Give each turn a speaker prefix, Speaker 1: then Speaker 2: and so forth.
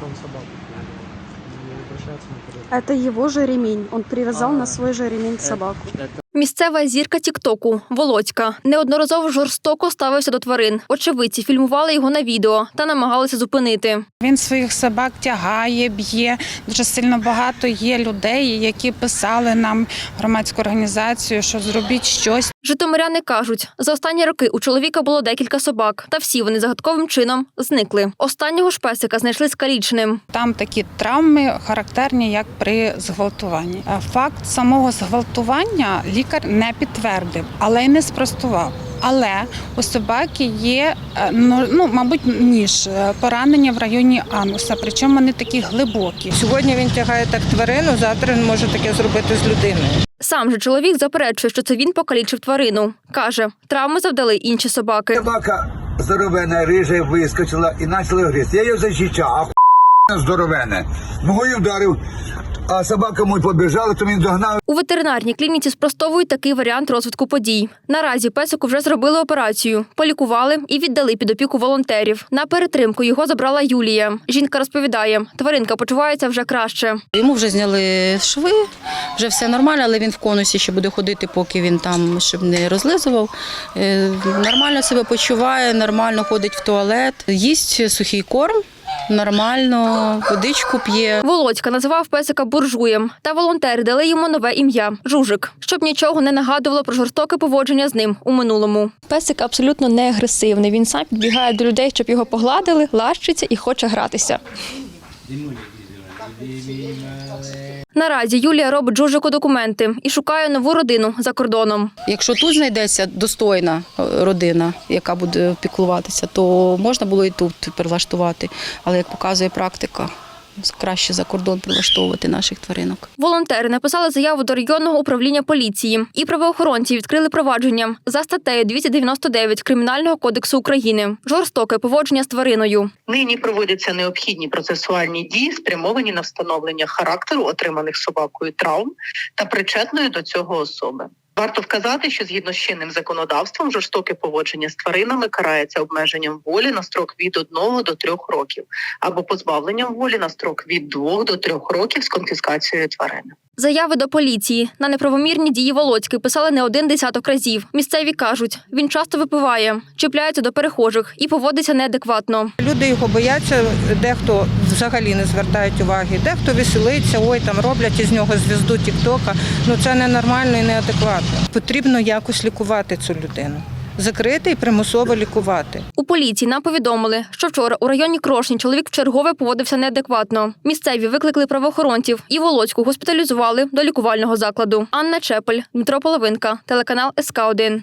Speaker 1: он собаку привязал. Не обращаться никуда.
Speaker 2: Это его же ремень. Он привязал на свой же ремень собаку.
Speaker 3: Місцева зірка тіктоку Володька неодноразово жорстоко ставився до тварин. Очевидці фільмували його на відео та намагалися зупинити.
Speaker 4: Він своїх собак тягає, б'є. Дуже сильно багато є людей, які писали нам, громадську організацію, що зробіть щось.
Speaker 3: Житомиряни кажуть, за останні роки у чоловіка було декілька собак, та всі вони загадковим чином зникли. Останнього ж песика знайшли скаліченим.
Speaker 4: Там такі травми характерні, як при зґвалтуванні. Факт самого зґвалтування лікар не підтвердив, але й не спростував. Але у собаки є, мабуть, поранення в районі ануса, причому вони такі глибокі.
Speaker 5: Сьогодні він тягає так тварину, завтра він може таке зробити з людиною.
Speaker 3: Сам же чоловік заперечує, що це він покалічив тварину. Каже, травми завдали інші собаки.
Speaker 6: Собака здоровена, рижа вискочила і почала гризти. Я її защищав, а здоровене. Ногою вдарив, а собака мой побіжала, то він догнав.
Speaker 3: У ветеринарній клініці спростовують такий варіант розвитку подій. Наразі песику вже зробили операцію, полікували і віддали під опіку волонтерів. На перетримку його забрала Юлія. Жінка розповідає, тваринка почувається вже краще.
Speaker 7: Йому вже зняли шви, вже все нормально, але він в конусі ще буде ходити, поки він там, щоб не розлизував. Нормально себе почуває, нормально ходить в туалет, їсть сухий корм. Нормально, водичку п'є.
Speaker 3: Володька називав песика буржуєм, та волонтери дали йому нове ім'я – Жужик, щоб нічого не нагадувало про жорстоке поводження з ним у минулому. Песик абсолютно не агресивний, він сам підбігає до людей, щоб його погладили, лащиться і хоче гратися. Наразі Юлія робить Жужику документи і шукає нову родину за кордоном.
Speaker 7: Якщо тут знайдеться достойна родина, яка буде піклуватися, то можна було і тут прилаштувати. Але, як показує практика, краще за кордон прилаштовувати наших тваринок.
Speaker 3: Волонтери написали заяву до районного управління поліції. І правоохоронці відкрили провадження за статтею 299 Кримінального кодексу України. Жорстоке поводження з твариною.
Speaker 8: Нині проводяться необхідні процесуальні дії, спрямовані на встановлення характеру отриманих собакою травм та причетної до цього особи. Варто вказати, що згідно з чинним законодавством жорстоке поводження з тваринами карається обмеженням волі на строк від 1 до 3 років або позбавленням волі на строк від 2 до 3 років з конфіскацією тварини.
Speaker 3: Заяви до поліції на неправомірні дії Володьки писали не один десяток разів. Місцеві кажуть, він часто випиває, чіпляється до перехожих і поводиться неадекватно.
Speaker 5: Люди його бояться, дехто взагалі не звертають уваги, дехто веселиться, там роблять із нього звізду тіктока. Це ненормально і неадекватно. Потрібно якось лікувати цю людину. Закрити і примусово лікувати.
Speaker 3: У поліції нам повідомили, що вчора у районі Крошні чоловік вчергове поводився неадекватно. Місцеві викликали правоохоронців і Володьку госпіталізували до лікувального закладу. Анна Чепель, Дмитро Половинка, телеканал СК1.